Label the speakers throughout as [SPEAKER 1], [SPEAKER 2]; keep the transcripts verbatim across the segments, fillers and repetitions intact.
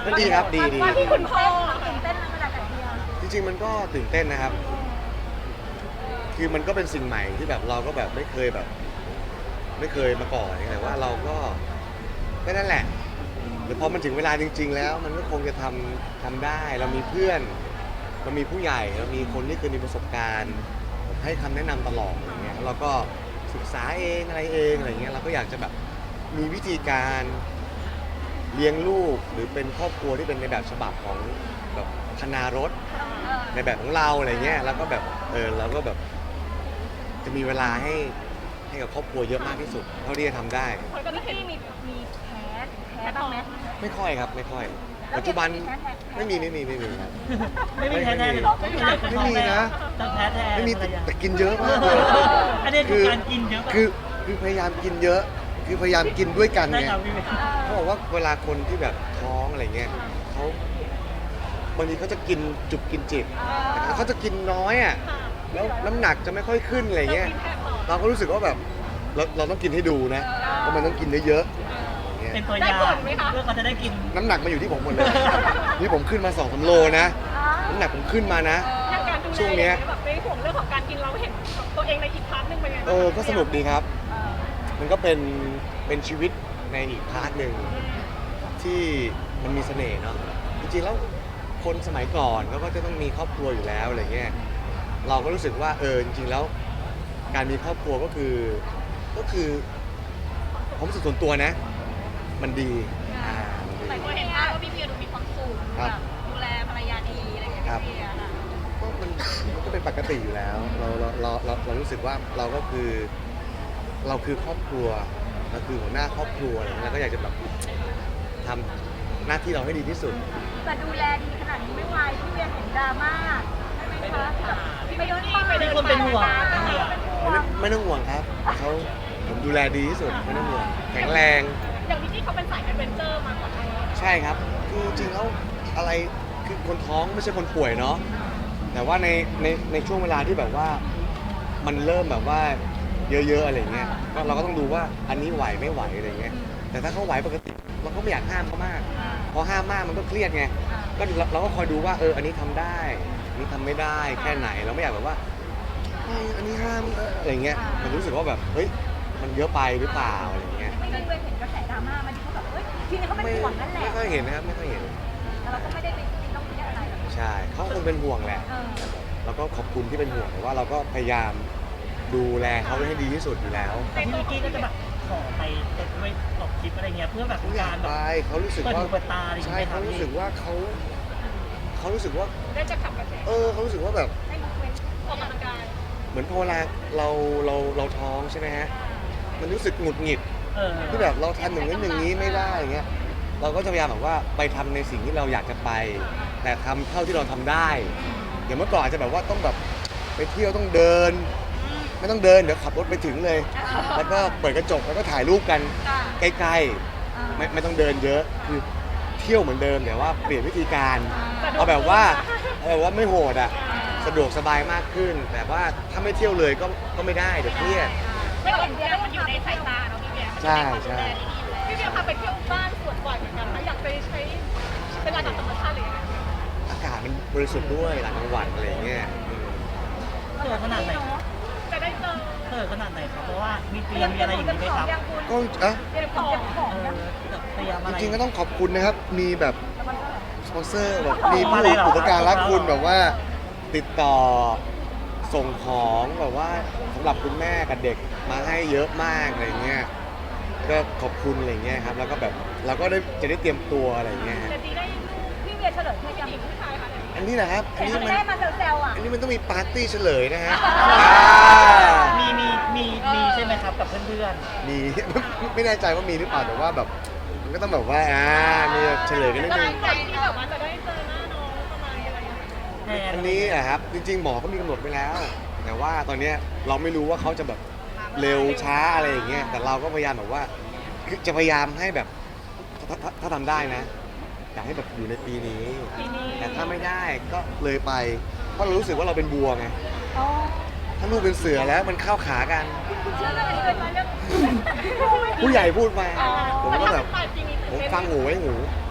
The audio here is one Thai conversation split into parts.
[SPEAKER 1] ก็ดีครับดีดี
[SPEAKER 2] ว่าที่คุณพ่อตื่นเต้นนะเวลากับเดีย
[SPEAKER 1] จริงๆมันก็ตื่นเต้นนะครับ คือมันก็เป็นสิ่งใหม่ที่แบบเราก็แบบไม่เคยแบบ ไม่เคยมาก่อนแต่ว่าเราก็ก็นั่นแหละหรือพอมันถึงเวลาจริง ๆ แล้ว มันก็คงจะทำทำได้เรามีเพื่อนเรามีผู้ใหญ่เรามีคนที่เคยมีประสบการณ์ให้คำแนะนำตลอดอย่างเงี้ยเราก็ศึกษาเองอะไรเองอะไรเงี้ยเราก็อยากจะแบบมีวิธีการเลี้ยงลูกหรือเป็นครอบครัวที่เป็นในแบบฉบับของแบบคณารถในแบบของเราอะไรเงี้ยแล้วก็แบบเออเราก็แบบจะมีเวลาให้ให้กับครอบครัวเยอะมากที่สุดเท่าที่จะทำได้
[SPEAKER 2] คนก็ที่มีมีแพ้แพ้บ้างไหม
[SPEAKER 1] ไม่ค่อยครับไม่ค่อย ปัจจุบันไม่มีไม่มีไม่มีครับ
[SPEAKER 3] ไม่มีแพ้แทน
[SPEAKER 1] ไม่มีนะ
[SPEAKER 3] จะแพ้แทน
[SPEAKER 1] ไม่มีแต่แต่กินเยอะมากเลย
[SPEAKER 3] อันนี้คือการกินเยอะ
[SPEAKER 1] คือคือพยายามกินเยอะ คือพยายามกินด้วยกัน
[SPEAKER 3] ได้
[SPEAKER 1] ไง
[SPEAKER 3] ครับพี่เมย์
[SPEAKER 1] เขาบอกว่าเวลาคนที่แบบท้องอะไรเงี้ยเขาบางทีเขาจะกินจุบกินจิบแต่เขาจะกินน้อยอ่ะแล้วน้ำหนักจะไม่ค่อยขึ้นอะไรเงี้ยเราก็รู้สึกว่าแบบเราเราต้องกินให้ดูนะเพราะมันต้องกินเยอะๆอย่างเงี้ย
[SPEAKER 3] เป็นตัวยาเพื่อเขาจะได้กิน
[SPEAKER 1] น้ำหนักมาอยู่ที่ผมหมดเลย นี่ผมขึ้นมาสองสามโลนะ น้ำหนักผมขึ้นมานะ
[SPEAKER 2] อย่างการดูแล
[SPEAKER 1] ช่วงเนี้ย
[SPEAKER 2] แบบในห่วงเรื่องของการกินเราเห็นตัวเองในอีกพาร์ทหนึงเป็นไงบ้าง
[SPEAKER 1] เออ ก็สนุกดีครับ มันก็เป็นเป็นชีวิตในอีกพาร์ทหนึ่งที่มันมีเสน่ห์เนาะ จริงๆแล้วคนสมัยก่อนเขาก็จะต้องมีครอบครัวอยู่แล้วอะไรเงี้ย เราก็รู้สึกว่าเออจริงๆแล้ว การมีครอบครัวก็คือก็คือผมรู้สึกส่วนตัวนะ มันดีอ่ามันดี
[SPEAKER 2] แต่ก็เห็นภาพว่าพี่เบียร์ดูมีความสุข
[SPEAKER 1] ครับ
[SPEAKER 2] แบบดูแลภรรยาดีอะไรอย่างเงี้ย
[SPEAKER 1] ครับ
[SPEAKER 2] พี่เบียร์ค่ะ
[SPEAKER 1] ก็มันมันก็เป็นปกติอยู่แล้ว เราเราเราเราเรารู้สึกว่าเราก็คือเราคือครอบครัวเราคือหัวหน้าครอบครัวอะไรเงี้ยเราก็อยากจะแบบทำหน้าที่เราให้ดีที่สุด
[SPEAKER 2] แต่ดูแลดีขนาดนี้ไม่ไหวพี่เบียร์เห็นดราม่าใช่ไหมคะแบบไปโดนป่า
[SPEAKER 3] มีคนเป็นห่วง
[SPEAKER 2] เป็นห่วง
[SPEAKER 1] ไม่ไม่ต้องห่วงครับเขาผมดูแลดีที่สุดไม่ต้องห่วงแข็งแรง
[SPEAKER 2] อย่างพี่ที่เขาเป็นสายแอดเวนเจอร์มาก่อนหน้านี้
[SPEAKER 1] ใช่ครับคือจริงๆแล้วอะไรคือคนท้องไม่ใช่คนป่วยเนาะแต่ว่าในในในช่วงเวลาที่แบบว่ามันเริ่มแบบว่าเยอะๆอะไรเงี้ยก็เราก็ต้องดูว่าอันนี้ไหวไม่ไหวอะไรเงี้ยแต่ถ้าเขาไหวปกติเราก็ไม่อยากห้ามเขามากพอห้ามมากมันก็เครียดไงก็เราเราก็คอยดูว่าเอออันนี้ทำได้อันนี้ทำไม่ได้แค่ไหนเราไม่อยากแบบว่าเฮ้ยอันนี้ห้ามเอออะไรเงี้ยมันรู้สึกว่าแบบเฮ้ยมันเยอะไปหรือเปล่าอะไรเงี้ย
[SPEAKER 2] ไม่ได้เห็นกระแสดราม่ามันที่เขาแบบเฮ้ยทีนี้เขาเป็น
[SPEAKER 1] ไม่
[SPEAKER 2] ห่วงนั่นแหละ
[SPEAKER 1] ไม่ค่อยเห็นนะครับไม่ค่อยเห็น
[SPEAKER 2] แต่เราก็ไม่ได้ไปต้องคิดอะไรแบบ
[SPEAKER 1] ใช่เขาคงเป็นห่วงแหละ
[SPEAKER 2] เออ
[SPEAKER 1] แล้วก็ขอบคุณที่เป็นห่วงแต่ว่าเราก็พยายามดูแลเขาให้ดีที่สุดอยู่แล้ว
[SPEAKER 3] แต่พี่วิกกี้ก็จะแบบขอไปเปิดด้วยออกคลิปอะไรเงี้ยเพื่อแบบ
[SPEAKER 1] เขาอยาก
[SPEAKER 3] การแบ
[SPEAKER 1] ไป
[SPEAKER 3] บ
[SPEAKER 1] เขารู้สึก
[SPEAKER 3] เปิด
[SPEAKER 1] ว่า
[SPEAKER 3] หูเปิดตาอะไรอย่าง
[SPEAKER 1] ใช่
[SPEAKER 3] เงี้ย
[SPEAKER 1] เขารู้สึกว่าเขาเขารู้สึกว่า
[SPEAKER 2] ได้จะขับกระแส
[SPEAKER 1] เออเขารู้สึกว่าแบบ
[SPEAKER 2] ให้มันเป็นออกกำลังกาย
[SPEAKER 1] เหมือนพอเวลาเราเราเราท้องใช่ไหมฮะมันรู้สึกหงุดหงิด
[SPEAKER 3] เออ
[SPEAKER 1] ที่แบบเราทำอย่างนี้นอย่างนี้ไม่ได้อย่างเงี้ยเราก็จะพยายามแบบว่าไปทำในสิ่งที่เราอยากจะไป แต่ทำเท่าที่เราทำได้อย่างเมื่อก่อนอาจจะแบบว่าต้องแบบไปเที่ยวต้องเดิน ไม่ต้องเดินเดี๋ยวขับรถไปถึงเลย แล้วก็เปิดกระจกแล้วก็ถ่ายรูปกันใกล้ๆไม่ไม่ต้องเดินเยอะคือเที่ยวเหมือนเดิมแต่ว่าเปลี่ยนวิธีการเอาแบบว่าเอาแบบว่าไม่โหดอ่ะสะดวกสบายมากขึ้น แต่ว่าถ้าไม่เที่ยวเลยก็ก็ไม่ได้เดี๋ยวเครียด
[SPEAKER 2] ไม่เห็นเบียร์มันอยู่ในสายตาเนาะพี่เบียร์
[SPEAKER 1] ใช่ใช่
[SPEAKER 2] พี่เบียร์พาไปเที่ยวบ้านสวนบ่อยเหมือนกันนะอยากไปใช้เวลากับธรรมชาติหรือยังไง
[SPEAKER 1] อากาศมันบริสุทธิ์ด้วยหลังกลางวันอะไรอย่างเงี้ยอืม
[SPEAKER 3] เขินขนาดไหน
[SPEAKER 2] จะได้เจอ
[SPEAKER 3] เขินขนาดไหนครับเพราะว่ามีเตรียมมีอะไรอย่างงี้ไหมครับ
[SPEAKER 1] ก็อ่ะ
[SPEAKER 2] เตรียมของของ
[SPEAKER 3] เออเตรียมอะ
[SPEAKER 1] จ
[SPEAKER 3] ไร
[SPEAKER 1] ริงๆก็ต้องขอบคุณนะครับ มีแบบสปอนเซอร์แบบ
[SPEAKER 3] อ๋อ
[SPEAKER 1] มีผู้
[SPEAKER 3] อะไรเหรอ
[SPEAKER 1] อุปการรักคุณแบบว่าติดต่อส่งของแบบว่าสำหรับคุณแม่กับเด็กมาให้เยอะมากอะไรเงี้ยก็ขอบคุณอะไรเงี้ยครับแล้วก็แบบเราก็ได้จะได้เตรียมตัวอะไรเงี้ยฮะ
[SPEAKER 2] จะดีได้ลูกพี่เบียร์เฉลยให้ยังผู้ชายค่ะ
[SPEAKER 1] อันนี้นะครับอัน
[SPEAKER 2] เห็น
[SPEAKER 1] นี้
[SPEAKER 2] คุณ
[SPEAKER 1] มัน
[SPEAKER 2] แม่มาแซวๆอ่ะ
[SPEAKER 1] อันนี้มันต้องมีปาร์ตี้เฉลยนะฮะ
[SPEAKER 2] อ่า
[SPEAKER 1] อ่า
[SPEAKER 3] มีมีมีมีใช่ไหมครับกับเพื่อน
[SPEAKER 1] มี ไม่แน่ใจว่ามีหรือเปล่าแต่ว่าแบบมันก็ต้องแบบว่าอ่ามีเฉลยกันนิดนึง
[SPEAKER 2] ใจที่แบบว่าจะได้เจอหน้าน้องประมาณอะไรอย่างเงี้ย
[SPEAKER 3] ๆแทน
[SPEAKER 1] อันนี้อะครับจริงๆหมอก็มีกำหนดไว้แล้ว แต่ว่าตอนเนี้ยเราไม่รู้ว่าเขาจะแบบเร็วช้าอะไรอย่างเงี้ยแต่เราก็พยายามแบบว่าคือจะพยายามให้แบบถ้าถ้าถ้าทำได้นะอยากให้แบบอยู่ในปีนี้
[SPEAKER 2] ปีนี้
[SPEAKER 1] แต่ถ้าไม่ได้ก็เลยไปเพราะเรารู้สึกว่าเราเป็นบัวไง
[SPEAKER 2] อ๋อ
[SPEAKER 1] ถ้าลูกเป็นเสือแล้วมันเข้าขากัน
[SPEAKER 2] เชื่อเรื่องนี้เลยมาเรื่อง
[SPEAKER 1] ผู้ใหญ่พูดมา
[SPEAKER 2] อ๋อ
[SPEAKER 1] ผมก็แบบ
[SPEAKER 2] ปลายปีนี้
[SPEAKER 1] ผมฟังหูไว้หู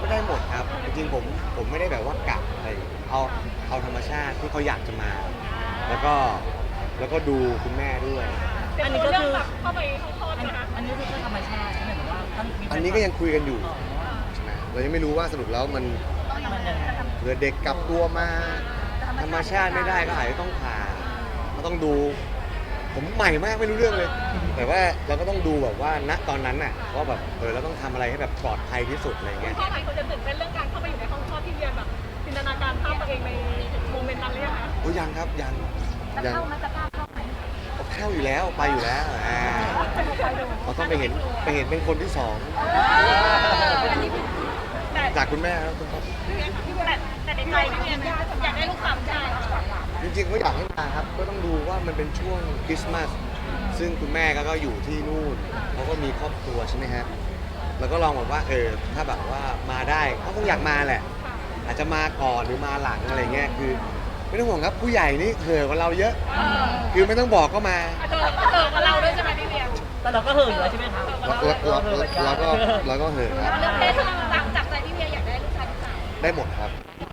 [SPEAKER 1] ได้หมดครับจริงๆผมผมไม่ได้แบบว่ากะอะไรเอาเอาธรรมชาติที่เขาอยากจะมา แล้วก็แล้วก็ดูคุณแม่ด้วย
[SPEAKER 3] อันนี้ก็คือ
[SPEAKER 2] เข้าไปห้องคลอด
[SPEAKER 3] อัน
[SPEAKER 2] นะคะ
[SPEAKER 3] อันนี้คือธรรมชาติใช่ไหมหรือว่าต้องมี
[SPEAKER 1] อันนี้ก็ยังคุยกันอยู่
[SPEAKER 3] อ๋อ
[SPEAKER 1] ใช่ไหมเรายังไม่รู้ว่าสรุปแล้วมัน
[SPEAKER 3] มันยังไง
[SPEAKER 1] เผื่อเด็กกลับตัวมาธรรมชาติไม่ได้ก็อาจจะต้องผ่าก็ต้องดู ผมใหม่มากไม่รู้เรื่องเลย แต่ว่าเราก็ต้องดูแบบว่าณตอนนั้นน่ะว่าแบบเออเราต้องทำอะไรให้แบบปลอดภัยที่สุดอะไรเงี้ย
[SPEAKER 2] พ่อใครคนจะตื่นเต้นเรื่องการเข้าไปอยู่ในห้องคลอดที่เรียนแบบจินตนาการภาพตัวเองในโมเมนต์นั้นเลยอะคะ
[SPEAKER 1] โอ้ยังครับยัง
[SPEAKER 2] จะ
[SPEAKER 1] ยัง
[SPEAKER 2] เข้าไหมจะกล้าเข้าไหม
[SPEAKER 1] เข้าอยู่แล้วไปอยู่แล้วอ่าเราต้องไปเห็นไปเห็นเป็นคนที่สอง
[SPEAKER 2] อันนี้แต่
[SPEAKER 1] จากคุณแม่ครับคุณพ่อ
[SPEAKER 2] แต่แต่ในใจพี่เวียนอยากได้ลูกสาวชาย
[SPEAKER 1] จริงๆก็อยากให้มาครับ ก็ต้องดูว่ามันเป็นช่วงคริสต์มาสซึ่งคุณแม่ก็ก็อยู่ที่นู่นเขาก็มีครอบครัวใช่ไหมฮะแล้วก็ลองบอกว่าเออถ้าแบบว่ามาได้เขาคงอยากมาแหละ อาจจะมาก่อนหรือมาหลังอะไรเงี้ยคือไม่ต้องห่วงครับผู้ใหญ่นี่เห่อกว่าเราเยอะ คือไม่ต้องบอกก็มา
[SPEAKER 2] เจอเจอกับเราด้วยใช่ไหมพี่เวียน
[SPEAKER 3] แต่เราก็เหินอยู่แล้วใช่ไหมคะ
[SPEAKER 1] เราเราเราเราก็เราก็เห่อะครับ
[SPEAKER 2] เรื่องเพศหลังจากใจพี่เวียอยากได้ลูกชายลูกสาว
[SPEAKER 1] ได้หมดครับ